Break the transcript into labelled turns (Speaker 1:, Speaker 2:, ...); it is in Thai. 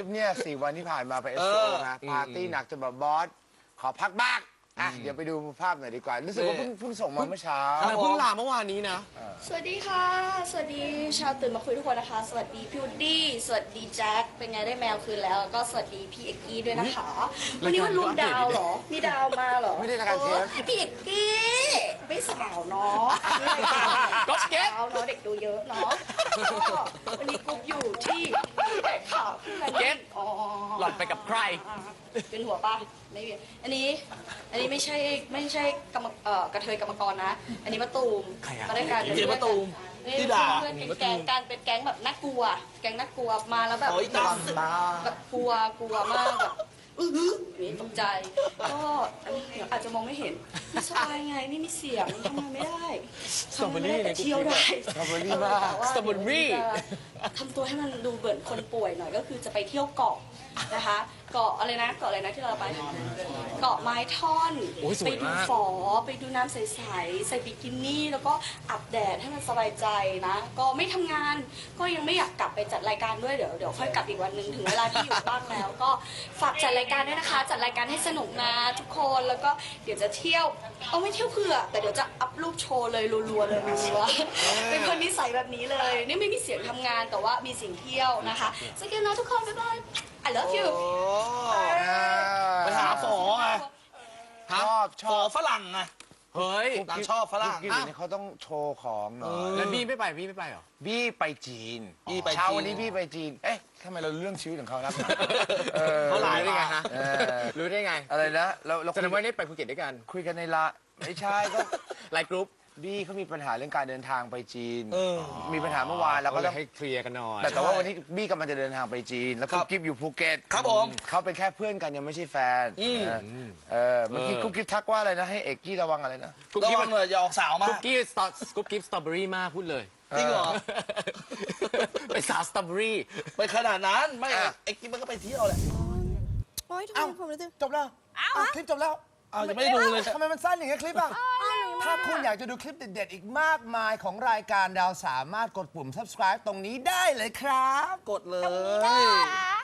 Speaker 1: ปเนี่ย4 วันที่ผ่านมาไปเอสโอนะปาร์ตี้หนักจนแบบบอสขอพักบ้างอ่ะเดี๋ยวไปดูภาพหน่อยดีกว่ารู้สึกว่าเพิ่งส่งมาเมื่อเช้า
Speaker 2: เพิ่งลาเมื่อวานนี้นะ
Speaker 3: สวัสดีค่ะ สวัสดีชาวตื่นมาคุยทุกคนนะคะ สวัสดีพี่วูดดี้ สวัสดีแจ็ค เป็นไงได้แมวคืนแล้วก็สวัสดีพี่เอกกี้ด้วยนะคะ วันนี้วันรวมดาวเหรอ มีดาวมาเหรอ
Speaker 1: ไม่ได้รายการเทป
Speaker 3: พี่เอกกี้ไม่สาวเนาะไม่รายการ
Speaker 2: ก็เก็ต
Speaker 3: สาวเนาะเด็กดูเยอะเนาะก็วันนี้กรุ๊ปอยู่ที่แก่ข่าวเก็ตอ๋อ
Speaker 2: หล่อนไปกับใคร
Speaker 3: เป็นหัวป่ะไม่เป็นอันนี้ไม่ใช่กระเทยกรรมกรนะ อันนี้มะตูม
Speaker 2: ใครอะ
Speaker 3: มาด้วยกัน
Speaker 4: เจ๊มะตูม
Speaker 3: นี่
Speaker 4: ที่ด่า
Speaker 3: เพื่อนเป็นแก๊งการเป็นแก๊งแบบน่ากลัว แก๊งน่ากลัวมาแล้วแบบ
Speaker 4: โอ้ยตาม
Speaker 3: แบบกลัวมากแบบนี่ตกใจ ก็เดี๋ยวอาจจะมองไม่เห็นไม่สบายไงไม่มีเสียงทำงานไม่ได้ทำงานไม่ได้แต่เที่ยวได้
Speaker 1: สตรอเบอรี่มาก
Speaker 3: แต่ว่า
Speaker 2: สตรอเบอรี่
Speaker 3: ทำตัวให้มันดูเหมือนคนป่วยหน่อยก็คือจะไปเที่ยวเกาะนะคะ เกาะอะไรนะที่เราไป เกาะไม้ท่อน
Speaker 2: โอ้ยส
Speaker 3: ไป
Speaker 2: วย
Speaker 3: ดู
Speaker 2: มาก
Speaker 3: ฝอไปดูน้ำใสๆใส่บิกินี่แล้วก็อาบแดดให้มันสบายใจนะ ก็ไม่ทำงานก็ยังไม่อยากกลับไปจัดรายการด้วยเดี๋ยวค่อยกลับอีกวันหนึ่งถึงเวลาที่อยู่บ้านแล้ว ก็ฝากจัดรายการด้วยนะคะ จัดรายการให้สนุกนะทุกคนแล้วก็เดี๋ยวจะเที่ยวเอาไม่เที่ยวเผื่อแต่เดี๋ยวจะอัพรูปโชว์เลยรัวๆเลยรัวๆเป็นคนนิสัยแบบนี้เลยนี่ไม่มีเสียงทำงานแต่ว่ามีเสียงเที่ยวนะคะสวัสดีนะทุกคนบ๊ายบาย I love you
Speaker 4: ไปหาฝอไง
Speaker 1: ชอบ
Speaker 4: ฝอฝรั่งไง
Speaker 2: เฮ้ย
Speaker 4: นางชอบฝรั่ง
Speaker 1: กินเนี่ยเขาต้องโชว์ของหน่อย
Speaker 2: แล้วบี้ไม่ไปเหรอ
Speaker 1: บี้ไปจีน
Speaker 4: บี้ไปจีน
Speaker 1: เช้าวันนี้บี้ไปจีน เอ๊ะทำไมเราเรื่องชีวิตของเขานะ
Speaker 2: เขาหลายได้ไงฮะ
Speaker 1: เออ
Speaker 2: รู้ได้ไง
Speaker 1: อะไรนะเรา
Speaker 2: แสดงว่าได้ไปภูเก็ตด้วยกัน
Speaker 1: คุยกันในละไม่ใช่ก็
Speaker 2: ไลน์กรุ๊ป
Speaker 1: บี้เขามีปัญหาเรื่องการเดินทางไปจีน
Speaker 4: เออ
Speaker 1: มีปัญหาเมื่อวานแล้ว
Speaker 2: ก็
Speaker 1: ก็
Speaker 2: เล
Speaker 1: ต้อย ง
Speaker 2: ให้เคลียร์กันหน่อย
Speaker 1: แต่ว่าวันนี้บี้กำลังจะเดินทางไปจีน แล้ว
Speaker 4: ครั
Speaker 1: กุ๊
Speaker 4: บ
Speaker 1: กกิ๊บอยู่ภูเก็ต
Speaker 4: ครับผม
Speaker 1: เขาเป็นแค่เพื่อนกันยังไม่ใช่แฟน
Speaker 4: อืม
Speaker 1: เมื่อกี้กุ๊กกิ๊บทักว่าอะไรนะให้เอกกี้ระวังอะไรนะ
Speaker 2: กุ๊ก
Speaker 4: ระ
Speaker 2: กิ๊บ
Speaker 4: วังเลยอย่าออกสาวมา
Speaker 2: กุ๊กกิ๊บสตรอเบอรี่มากพูดเลย
Speaker 4: จริงเหรอ
Speaker 2: ไปสาวสตรอเบอรี่
Speaker 4: ไปขนาดนั้นไม่ไอ้กิ๊บมันก็ไปเที่ยวแหละ
Speaker 5: โอ๊ยทำไมผมรู้สึก
Speaker 1: จบแล้วคลิปจบแล้ว
Speaker 4: อ้าวยังไม่ได้ดูเลย
Speaker 1: ทำไมมันสั้นอย่างเงี้ยคลิปอ่ะ ถ้าคุณอยากจะดูคลิปเด็ดๆ อีกมากมายของรายการดาวสามารถกดปุ่ม subscribe ตรงนี้ได้เลยครับ
Speaker 4: กดเล
Speaker 5: ได้
Speaker 4: ย